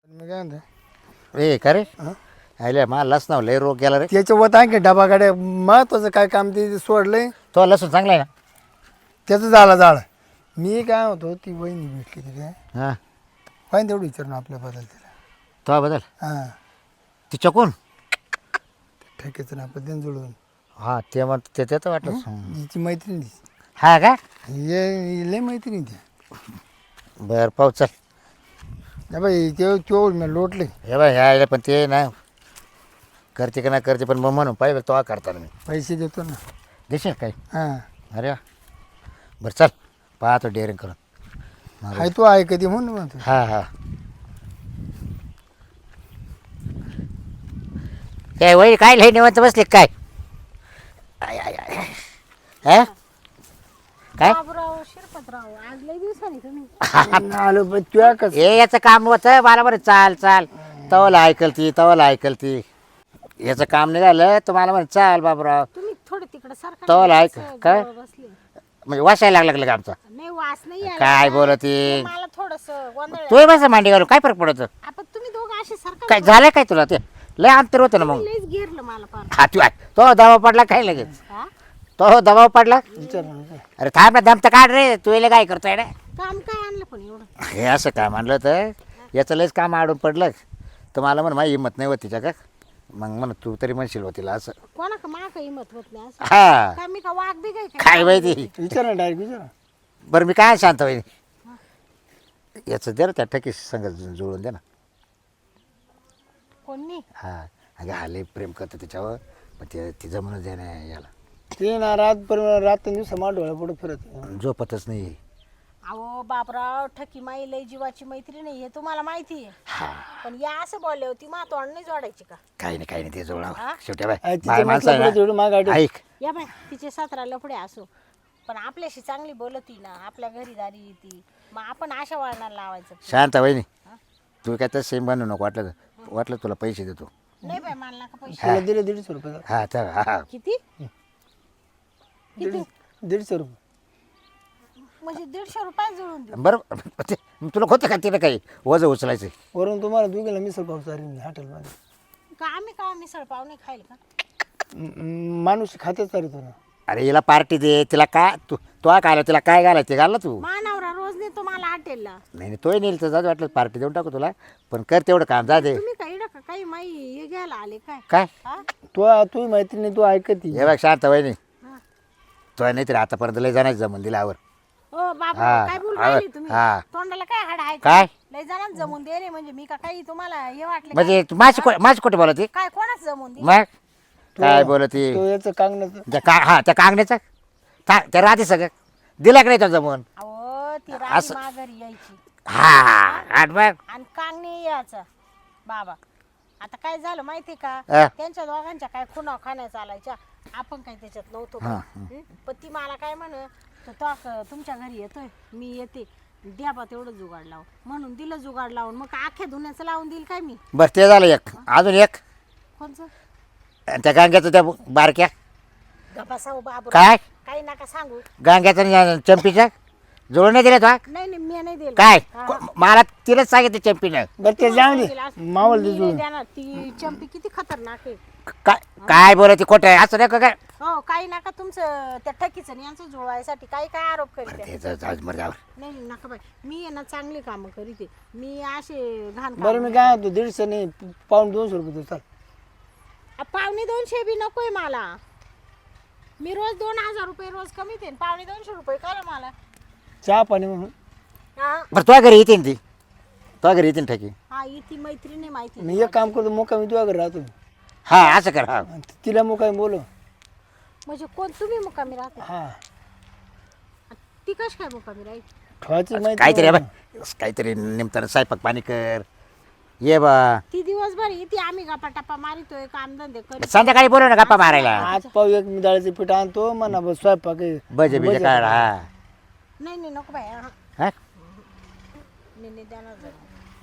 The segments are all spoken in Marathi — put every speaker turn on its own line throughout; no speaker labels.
मी काय म्हणतो
ए का रे आयले मला लसणाव लय रोग गेला रे.
त्याच्यावर आणखी डबा गाड्या महत्वाचं काय काम ते सोडलंय
तो लसूण चांगला आहे ना.
त्याचं झाड मी काय होतो ती वहिनी भेटली तिथे
हां
पाहिजे तेवढं विचारून आपल्या बदल तिला
तो बदल
हां
तिच्या कोण
ठेकेचं ना आपण त्यांना जुळवून
हां ते मग ते तर वाटलं
हिची मैत्रीण ती
हा का
ये लय मैत्रीण ती
बरं पाहू चल.
नाही बाई ते मी लोटले
हे बाय ह्या पण ते ना करते का नाही करते पण मग म्हणून पाहिजे तो करताना मी
पैसे देतो ना
देशील काही.
हां
अरे वा. बरं चल पाहतो डेअरिंग करून.
हाय तू आहे कधी म्हणून म्हणतो
हां हां काय वही काय लई निवंत बसले काय आय आय आय हा काय
बाबूराव शिरपतराव आज लय दिवसांनी तुम्ही
आलो पण तुया कसं
हे याचं काम होतं मला बरं चाल चाल तवला ऐकल ती याचं काम निघालं तर मला म्हणे चाल बाबूराव
तुम्ही थोडं तिकडे सारखा
तवला ऐक काय
बसले
म्हणजे वासायला लागलं का आमचा
नाही वास नाही यायला.
काय बोलती
मला थोडस गोंधळ
तू बस मांडी घालून काय फरक पडतो
आपण तुम्ही दोघं असे सारखं
काय झालं काय तुला ते लय अंतर होतं ना मग.
लयच घेरलं मला पार
हा तू तो दबाव पडला काय लगेच
हा?
तो दबाव पडला
विचार
अरे थांब ना दम तर काढ रे तू याला काय करतोय रे.
काम काय आणलं पण एवढं
हे असं काय म्हणलं तर याचं लयच काम आडून पडलं तर मला म्हण माझी हिंमत नाही होत तिच्या का मग म्हण तू तरी म्हणशील होतीला असं.
कोणा का मा काही हिंमत होत नाही असं
हा
काय मी का वाघ बी काय
काय माहिती.
विचार ना डायरेक्ट विचार
बरं मी काय शांत होईल याचं दे रे त्या ठकीस संग जुळून दे ना.
कोणी
हा अगं हा लय प्रेम करतं त्याच्यावर पण ते तिचं म्हणून दे ना याला
ते ना रात दिवस मा डोळ्या पुढे फिरत
झोपतच नाही.
अहो बापराव ठकी माई लय जीवाची मैत्री नाही हे तुम्हाला माहिती आहे
हा
पण या असं बोलले होती मा तोंड नाही जोडायची का
काही नाही ते जुळा
हा?
शेवटी बाय
तिचं
बाय माणसं आहे
म्हटलं तेवढं माग
ना. ऐक
या बाय तिचे 17 लफडे असो पण आपल्याशी चांगली बोलती ना आपल्या घरी दारी येते मग आपण अशा वळणाला लावायचं
शांत वहिनी तू काय तर सेम बनवू नको वाटलं तुला पैसे देतो.
नाही बाय मला नका पैसे
त्याला दिले 150 रुपये
हा तर हा
किती किती
150 रुपये
म्हणजे 150 रुपये जुळून देऊ
बरं ते तुला होतं का तिला काही वजं उचलायचं.
वरून तुम्हाला दोघीला मिसळ पाव चालेल हॉटेलमध्ये
का आम्ही का मिसळ पाव नाही खाईल का
माणूस खातेच चालतो ना
अरे हिला पार्टी दे तिला काय तू काय तिला काय घालायचं ते घाल ना तू.
मानवरा रोज नेतो मला हॉटेलला
नाही तोही नेल तर जाऊ वाटलं पार्टी देऊन टाकू तुला पण कर तेवढं काम जा दे.
तुम्ही काही नका काही माई हे घ्यायला आले काय
काय
हा?
तू माहिती नाही तू ऐकत
हे बघ शांत वहिनी
हा.
तो नाही तरी आतापर्यंत लय जाण्याचं जमून दिलावर.
ओ बाबा
हा,
काय बोल
हा,
राहिली तुम्ही
हा.
तोंडाला काय हाड आहे
काय?
लय जणांना जमून दे रे म्हणजे मी का काही तुम्हाला हे वाटले का?
म्हणजे माझी कुठे बोलती
काय कोणाच जमून दे
मग काय बोलती
तो याचं कांगण्याचं
त्या कांगण्याचं त्या राहते सगळं दिला का नाही तो जमून.
अहो ती राणी
असं-
माघारी यायची
हा आठ बघ
आणि कांगणे यायचा बाबा आता काय झालं माहिती का
हा.
त्यांच्या दोघांच्या काय खुणा खाण्या चालायच्या आपण काय त्याच्यात नव्हतो
हा,
हं? पण ती मला काय म्हण तुमच्या घरी येतोय मी येते द्या बा तेवढं जुगाड लावून म्हणून दिलं जुगाड लावून मग अख्ख्या धुण्याचं लावून देईल काय मी
बरं ते झालं एक अजून एक
कोणचं
आणि त्या गांग्याचं त्या बारक्या
गपासाव बाबू
काय
काही नका सांगू
गांग्याचं आणि चंपीचं जुळून नाही दिलं तो
नाही नाही मी नाही दिलं
काय
हा.
मला तिलाच सांगितलं चंपीनं
बरं ते जाऊ दे
मी
मावळ दे
नाही
जुळून
देणार. ती चंपी किती खतरनाक आहे
काय काय बोलते खोटं आहे असं नाही का काय
हो काही नका तुमचं त्या ठकीचं आणि यांचं जुळवायसाठी काही काय आरोप करीत आहे.
ते जाऊ दे, मर जाऊ.
नाही नाही, नका बाई मी आहे ना चांगली कामं करीते मी असे घाण
बरं मी काय म्हणतो 150 नाही पाऊण 200 रुपये देतो चाल
पावणे 200 बी नकोय मला मी रोज 2000 रुपये रोज कमी देईन पावणे 200 रुपये करा मला
चहा पाणी म्हणून
हा
बरं तुझ्या घरी येते ना ती तुझ्या घरी येते ना ठकी.
हा इथे मैत्रिणी माहिती
मी एक काम करतो मोका मी तुझ्या घरी राहतो
हा असं कर हा
आणि तिला मोका बोलो
म्हणजे कोण तुम्ही मुकामी राहते
हा
ती कशी काय मुकामी राहील
ठेवायची माहिती
काहीतरी आहे बा काहीतरी निमताना स्वयंपाक पाणी कर ये बा
ती दिवसभर इथे आम्ही गप्पा टप्पा मारितोय कामधंदे करीत
संध्याकाळी बोलव ना गप्पा मारायला.
आज पाव एक मी डाळीचं पीठ आणतो म्हणा बस स्वयंपाक आहे.
बजे बिजे काढ हा
नाही नाही नको बाई हा
हा?
नाही नाही देणार जाऊ.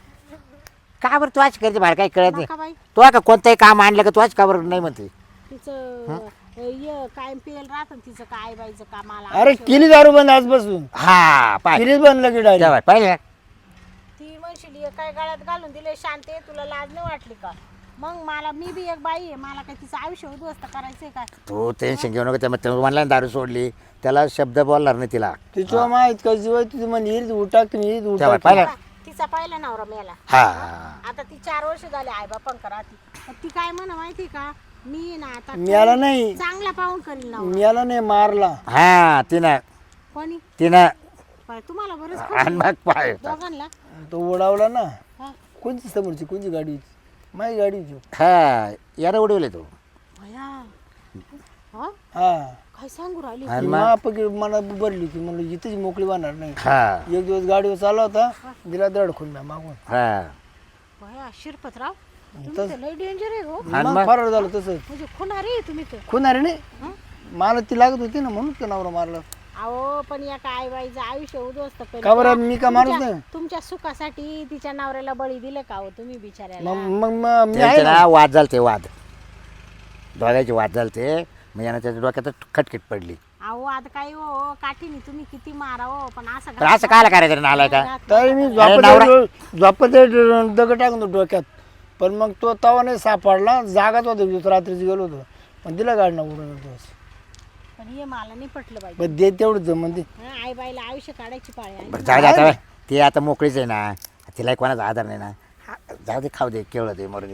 का बरं तू आज करते बाहेर काही कळत नाही
नका बाई
तू का कोणतंही काम आणलं का तू आज का बरं नाही म्हणते.
तिचं काय पेल राहत तिचं काय बाईचं कामाला
अरे केली दारू बंद आजपासून
हा पाय
केलीच बंद लगे डायरेक्ट
पाहिले
ती म्हणशील हे काय गळ्यात घालून दिले शांते तुला लाज नाही वाटली का? मग मी बी एक बाई आहे, मला काय तिचं आयुष्य उद्ध्वस्त करायचंय काय?
तू टेन्शन घेऊ नको. त्या म्हणला दारू सोडली, त्याला शब्द बोलणार नाही तिला.
तिच्या माहित का जीव तुझी म्हणजे हिरीत उठाक हिरीत
तेव्हा
उठाक
पाहिलं.
तिचा पहिला नवरा मेला.
हा
आता ती 4 वर्ष झाले आई बापांक राहती. तर ती काय म्हणा माहिती का, मी ना आता
मिळाला नाही
चांगला पाहून करील ना.
मिळाला नाही मारला.
हा तिनं
कोणी तुम्हाला बरंच
आणि मग पाय
दोघांना
तो उडावला ना.
हा.
कोणती समोरची कोणती गाडी होती? माझी गाडी होती.
हा याला उडवले तो.
भया. हा?
हा
काय सांगू राहिली?
आणि
ती
मग
मापकी मला भरली होती म्हणलं इथेच मोकळी वाहणार नाही.
हा
एक दिवस गाडीवर चालला होता, दिला दडखून म्या मागून.
हा
भया शिरपतराव तुम्ही तर लय डेंजर आहे हो.
आणि
मग
मग?
फरार झालं तसं.
म्हणजे खुनारी आहे तुम्ही तर.
खुनारी नाही,
हं?
मला ती लागत होती ना म्हणून तो नवरा मारला.
अहो पण या काय बाईचं आयुष्य उद्ध्वस्त केलं.
का बरं मी का माणूस नाही?
तुमच्या सुखासाठी तिच्या नवऱ्याला बळी दिलं का हो तुम्ही बिचाऱ्याला?
मग मी आहे
त्यांचे
ना.
ना वाद झालते, वाद दोघांचे वाद झालते. मग यानं त्याच्या डोक्यात खटखट पडली.
अहो आता काय हो काठीने तुम्ही किती मारा हो पण असं
तर असं कायला करायचं नालाय का?
तरी मी
नवरा-
झोपत दगड टाकून डोक्यात. पण मग तो तवा नाही सापडला, जागाच होता रात्रीच गेलो होतो. पण दिला गाडी ना उडून दिवस.
पण हे मला नाही पटलं बाई.
पण दे तेवढंच म्हणजे
आई बाईला आयुष्य काढायची पाळी आहे.
बरं जाऊ दे आता. ती आता मोकळीच आहे ना, तिला कोणाचा आधार नाही ना. जाऊ दे, खाऊ दे, केवळ दे, मरू दे.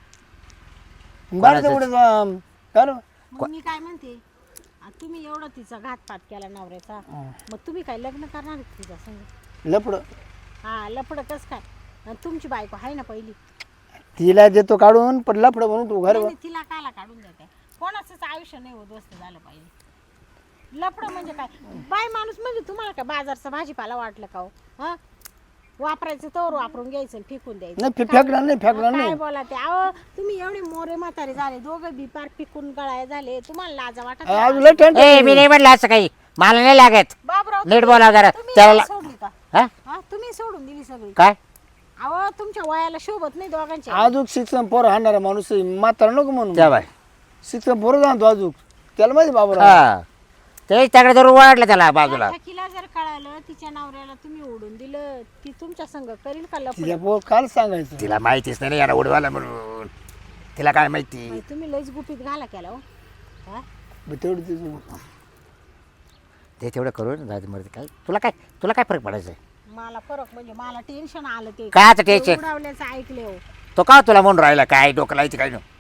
बरं तेवढं कर.
मग मी काय म्हणते तुम्ही एवढं तिचा घातपात केला नवऱ्याचा, मग तुम्ही काय लग्न करणार आहेत तिच्या संग?
लपड
हा लफड कस काय? आणि तुमची बायको आहे ना पहिली.
तिला देतो काढून, पण लफड म्हणून तू घर
नाही, नाही, तिला कायला काढून देते? कोणाचंच आयुष्य नाही उद्ध्वस्त झालं पाहिजे. लफड म्हणजे काय? बाय माणूस म्हणजे तुम्हाला काय बाजारचा भाजीपाला वाटलं का हो? हा वापरायचं तर वापरून घ्यायचं आणि फेकून द्यायचं.
नाही फेकणार नाही, फेकणार
काय
नाही.
बोला ते? अहो तुम्ही एवढे मोरे म्हातारे झाले, दोघं बी पार पिकून गळाय झाले, तुम्हाला लाजा वाटत नाही?
आज लय टेन्शन.
ए मी नाही म्हटलं असं काही, मला नाही लागत.
बाबराव
नीट बोला जरा
तुम्ही
त्याला.
सोडली का?
हा
हा तुम्ही सोडून दिली सगळी?
काय
अहो तुमच्या वयाला शोभत नाही दोघांच्या.
आजूक शिक्षण पोर हाणणारा माणूस आहे, म्हातारा नको म्हणून.
त्या बाय
शिक्षण पोरं जाणतो आजूक, त्याला माहिती बाबा.
हा ते त्याकडे जरूर वाढलं त्याला बाजूला.
ठकीला जर कळालं तिच्या नवऱ्याला तुम्ही ओढून दिलं, ती तुमच्या संग करील का लफडं?
तिच्या पोर काल सांगायचं.
तिला माहितीच नाही याला उडवायला म्हणून. तिला काय माहिती?
बाई, तुम्ही लयच गुपित घाला केला हो. हा?
तेवढं तिचं
ते तेवढं करून जाऊ दे, मरू दे. काय तुला काय फरक पडायचा?
मला फरक म्हणजे मला टेन्शन आलं ते
काय आता टेन्शन?
उडवल्याचं ऐकले हो.
तो का तुला म्हणून राहिला? काय डोकं लायचं काय नाही?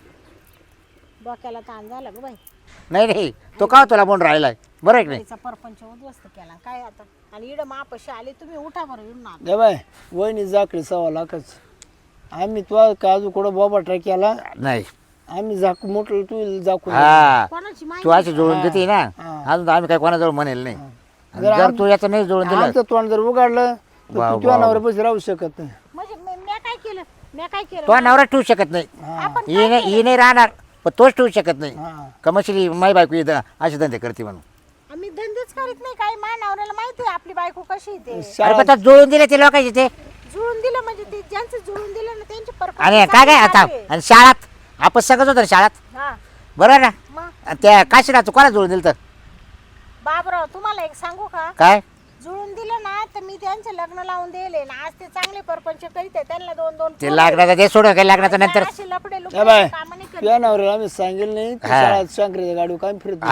डोक्याला ताण झाला ग बाई.
नाही तो का तुला म्हणून राहिलाय? बरं आहे की नाही?
तिचा परपंच उद्ध्वस्त केला काय आता. आणि इड मापशी आले तुम्ही, उठा बरं येऊन ना.
दे बाय वहिनी जाकडी 1.25 आम्ही तो काजू कुठं बाबा ट्राय केला.
नाही
आम्ही जाकू मोठं तू जाकू.
हा
कोणाची
तू
माहिती?
अशी जोडून देते ना, अजून तर आम्ही काय कोणाजवळ म्हणेल नाही. आणि जर तू याचं नाही जोडून दिलं,
आमचं तोंड जर उघडलं तर
वा,
तू
वा,
तुझ्या
वा.
नवऱ्यापाशी राहू शकत नाही.
म्हणजे मी काय केलं? मी काय केलं?
तो नवरा ठेवू शकत नाही.
आपण
ही नाही राहणार, पण तोच ठेवू शकत नाही.
हा
कमर्शियली माई बायको इथं असे धंदे करते म्हणून.
आम्ही धंदेच करीत नाही काय. मा नवऱ्याला माहिती आहे आपली बायको कशी आहे ते.
अरे पण तो जोडून दिले ते लोकांचे ते.
जुळून दिलं म्हणजे ते ज्यांचं जुळून दिलं ना त्यांची परपंच
आणि काय
चांगली
आता
चालू आहे.
आणि शाळात आपण सगळंच होतं ना शाळात,
हा
बरोबर ना?
मग
आणि त्या काशीला तू कोणा जोडून दिलं तर
बाबराव तुम्हाला एक सांगू का?
काय?
जुळून दिलं ना तर मी त्यांचे लग्न लावून दिले ना, आज ते चांगले परपंच करीत आहे. त्यांना 2-2
ते लागण्याचं ते सोडून काही लागण्याचं नंतर.
असे लपडे
ए बाय
कामं नाही करीत.
तुझ्या नवऱ्याला आम्ही सांगेल नाही तू
हा.
शाळेत शंकरीच्या गाडीवर काय फिरत.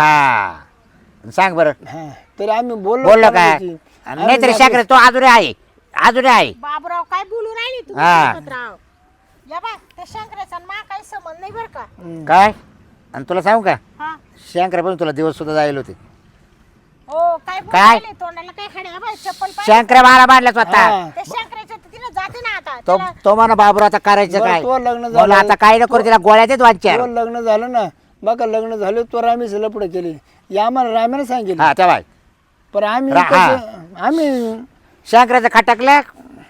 हा सांग बरं,
हा तरी आम्ही बोललो
बोललो काय?
कोणाची.
आणि नाहीतरी शाकर तो अजून आहे, अजून आहे.
बाबराव काय बोलू राहिले तुम्ही
हा.
शिरपतराव? या बा ते शंकराचा आणि मा काही संबंध नाही बरं का.
काय? आणि तुला सांगू का,
हा
शंकर पण तुला दिवस सुद्धा जायला होते.
हो काय बोलू
काय?
राहिले? तोंडाला काय खडे बाय चप्पल पाय.
शंकर मला बांधला स्वतः.
हा.
ते शंकराच्या तिने जाते ना आता
तो
त्याला.
तो म्हणा बाबू आता करायचं
बरं,
काय?
तो लग्न
मला
झालं.
आता काय नको तिला गोळ्या देत वांचार.
तुझं लग्न झालं ना बघा, लग्न झालं तो रामीच लपड केले. या आम्हाला रामाने सांगितलं.
हा तेव्हा
पण आम्ही
हा.
कसं- आम्ही
शंकराचं खटकलं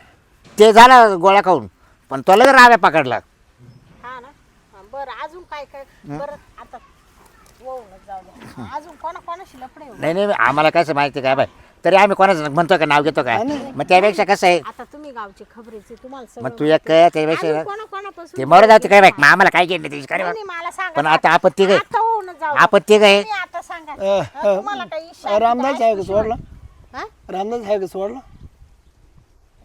ते झालं गोळ्या खाऊन, पण तो लगेच राव्या पकडला.
हा ना हा, बरं अजून काय काय बरं आता होऊनच जाऊ दे. अजून कोणाशी लफडे हो?
नाही नाही आम्हाला कसं माहिती काय बाय, तरी आम्ही कोणाचं म्हणतो का नाव घेतो काय, मग त्यापेक्षा कसं आहे,
आता तुम्ही गावचे खबरेचे तुम्हाला
मग
सगळं
तू एक काय त्यापेक्षा
कोणापासून
ते मरू जाते काय बाय, मग आम्हाला काय घेणं त्याची काय
नाही, मला सांगा
पण आता आपण तिघ
आता होऊनच जाऊ दे.
आपण तिघ आहे.
तुम्ही आता सांगा हा, तुम्हाला काही इच्छा आहे
रामदास
का?
आहे का सोडला?
हा?
रामदास आहे का सोडला?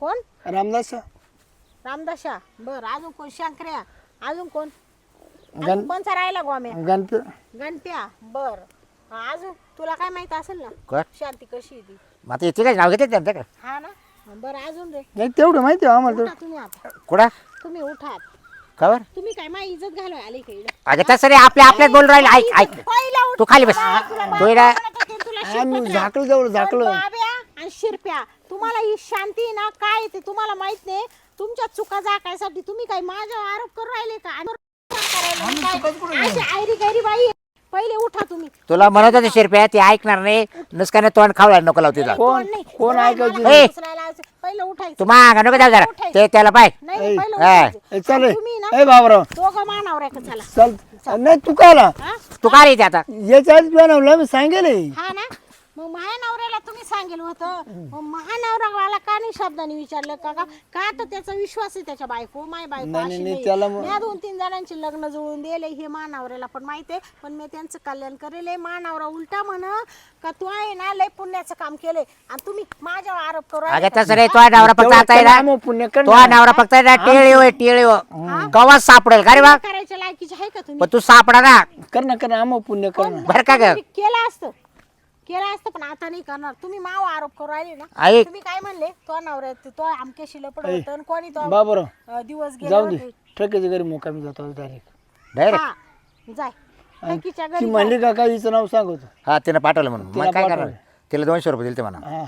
कोण?
रामदास
रामदाशा. बर, अजून कोण? शंकर्या. अजून कोण?
गण
अजून कोणचा राहिला गोम्या?
गणपती
गणप्या. बर, अजून तुला काय माहित असेल ना
कोण
शांती कशी आहे ती?
मग आता येते काय नाव घेते त्यांचं का
हा ना. बरं, अजून रे.
नाही तेवढं माहिती आहे आम्हाला
उठा तुम्ही आता.
कुठं
तुम्ही उठात.
खबर
तुम्ही काय माझी इज्जत घालवाय आली का इकडे?
अगं तसं रे आपल्यात बोल राहिले ऐक ऐक
पहिला उठ.
तू खाली बस
तुला
तू इकडं-
म्हणत होते, तुला
आम्ही
शिकवत
झाकलं जवळ
पण
झाकलं
बाब्या आणि शिरप्या, तुम्हाला ही शांती ना काय ते तुम्हाला माहित नाही. तुमच्या चुका झाकायसाठी तुम्ही काय माझ्यावर आरोप करू राहिले का? आणि करायला काय? अशी आयरी गैरी बाई आहे. पहिले उठा तुम्ही.
तुला म्हणत होते शिरप्या ती ऐकणार नाही नुसकाने तोंड खावला नको लावते तिला
कोण
नाही.
कोण
मला
ऐकायची
ए!
उचलायला यायचं. पहिलं उठायचं.
तू मागा नको जाऊ जरा ते त्याला पाय
नाही नाही, पहिलं
हा.
उठायचं.
चल
आणि तुम्ही ना
ए बाबराव
दोघं मानावर आहे का? चला.
चल नाही तू काय आला
हा?
तू काय येते आता
याच्या आधी बनवलं मी सांगेल
हा ना. मग महानवऱ्याला तुम्ही सांगेल होतं. मग महानवराला का नाही शब्दाने विचारलं का? का तर त्याचा विश्वास आहे त्याच्या बायको माय बायको
नाही,
अशी
नाही,
नाही.
त्याला
मी 2-3 जणांचे लग्न जुळून दिले हे महानवऱ्याला पण माहिती आहे. पण मी त्यांचं कल्याण करेल. महानवरा उलटा म्हण का तू आहे ना लय पुण्याचं काम केलंय आणि तुम्ही माझ्यावर आरोप करू राहिले
अगं
का?
तसं रे तो नवरा फक्त आता आहे ना
पुण्य कर
तो नवरा फक्त आहे ना टेळी कवा सापडेल का रे बा
करायच्या लायकीचे आहे का तुम्ही?
पण तू सापडा ना
कर ना आम पुण्य कर ना
बरं का ग
केलं असतं पण आता नाही करणार. तुम्ही माव आरोप करू राहिले ना.
ऐक
तुम्ही काय म्हणले? तो नवरा तो आमक्याशी लपड होतं आणि कोणी तो
बाबराव
दिवस गेले
जाऊ दे
होते.
ठेकेच्या घरी मुकामी जातो डायरेक्ट
डायरेक्ट
हा, जाय नक्कीच्या
ती
घरी
म्हणली का काय हिचं नाव सांगतो
हा तिनं पाठवलं म्हणून
तिला
मग काय करणार
पाठवलं.
तिला 200 रुपये दिले ते म्हणा
हा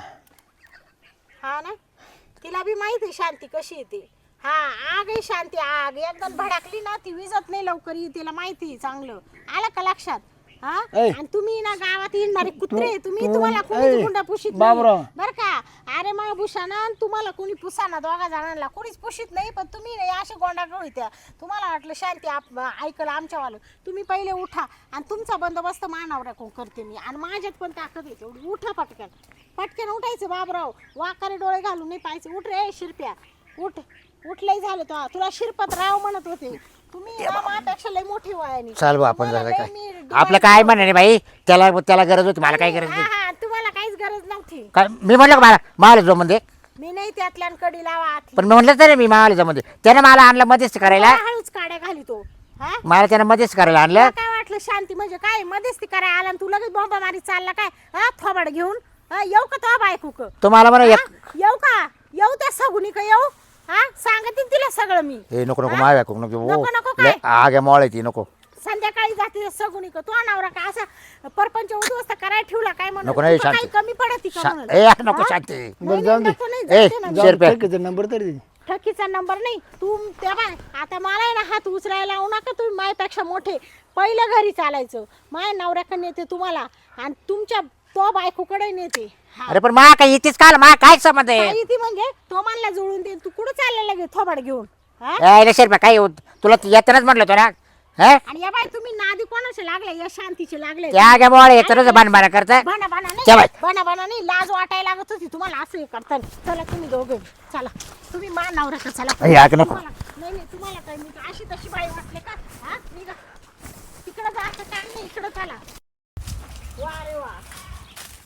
हा ना. तिला बी माहिती आहे शांती कशी येते. हा, आग आहे शांती आग. एकदम भडकली ना ती विजत नाही लवकर. तिला माहिती आहे चांगलं. आलं का लक्षात? हा.
ऐ.
आणि तुम्ही ना गावात येणारे कुत्रे तुम्ही
तू-
तुम्हाला
ऐ.
कोणी गुंडा पुशीत नाही
बाबराव.
बर का? अरे मग भूषणा तुम्हाला कोणी पुसाना दोघा जणांना कोणीच पुशीत नाही. पण तुम्ही नाही असे गोंडा त्या तुम्हाला वाटलं शांती ऐकलं आमच्यावालं. तुम्ही पहिले उठा आणि तुमचा बंदोबस्त मानावर करते मी. आणि माझ्यात पण ताकद येते एवढी. उठा पटकन पटकन उठायचं बाबराव. वाकारे डोळे घालून नाही पाहायचे. उठ रे शिरप्या उठ. उठलंय झालं तो. तुला शिरपत राव म्हणत होते. तुम्ही ना माझ्यापेक्षा लय मोठी वयाने.
चाल बा आपण
तुम्हाला
झालं
लय मी
काय
डोळे-
आपलं काय म्हणणे बाई त्याला गरज होती मला काय गरज
हा
नाही
हा, तुम्हाला काहीच गरज नव्हती.
काय मी म्हणलं का मला जो मध्ये
मी नाही त्यातल्या कडी लावा आतली.
पण मी म्हणलं तरी मी मावाला मध्ये त्यानं मला आणलं मध्येच करायला
हळूच काड्या घाली तो. हा,
मला त्यानं मध्येच करायला आणलं
तुला काय वाटलं शांती म्हणजे काय मध्येच ती करायला आला आणि तू लगेच बॉम्बा मारी चालला काय? हा, थोबाड घेऊन. हा, येऊ का तो बायको क?
तुम्हाला म्हणा एक
हा, येऊ का? येऊ त्या सगुनी का येऊ? हा, सांगते तिला सगळं मी.
ए नको नको माव्या नको
नको, नको
नको
काय?
आगे मोळ ती नको
संध्याकाळी जाते सगुनी का? तो नवरा का असा परपंच उद्ध्वस्त करायला ठेवला काय म्हणून?
नको नाही
तुका काही
शांती
कमी पडत का म्हणून?
ए नको
हा?
शांती
नाही,
जाऊ दे.
नको, नाही,
ए,
जाते ना.
जाऊ. शेरप्या.
ठेकेचा नंबर तरी दे.
ठकीचा नंबर नाही. तू त्या बाय आता मला आहे ना हात उचलायला लावू नका. तुम्ही माझ्यापेक्षा मोठे. पहिलं घरी चालायचं. माझ्या नवऱ्याकडे नेते तुम्हाला आणि तुमच्या तो बायकोकडे नेते. हा.
अरे पण मा काय इथेच काल मा काय संबंध आहे
काही ती म्हणजे तो मला जुळून दे. तू कुठं चाललेला गे थोबाड घेऊन? हा?
ए शेरप्या काय तुला येतानाच म्हटलं तो ना हा
आणि या बाय तुम्ही नादी कोणाचे लागले? या शांतीचे लागले.
त्या आगे मोळ येतानाच बाण करता
बना बना
त्या बाय.
नाही बना बना नाही. लाज वाटायला लागत होती तुम्हाला असं हे करता. चला तुम्ही दोघे चला. तुम्ही मा नवऱ्याकडे चला.
ए, आग नको.
नाही नाही तुम्हाला काय मी अशी तशी बाई वाटले का? हा, निघा तिकडं जायचं काय नाही. इकडं चला. वा रे वा.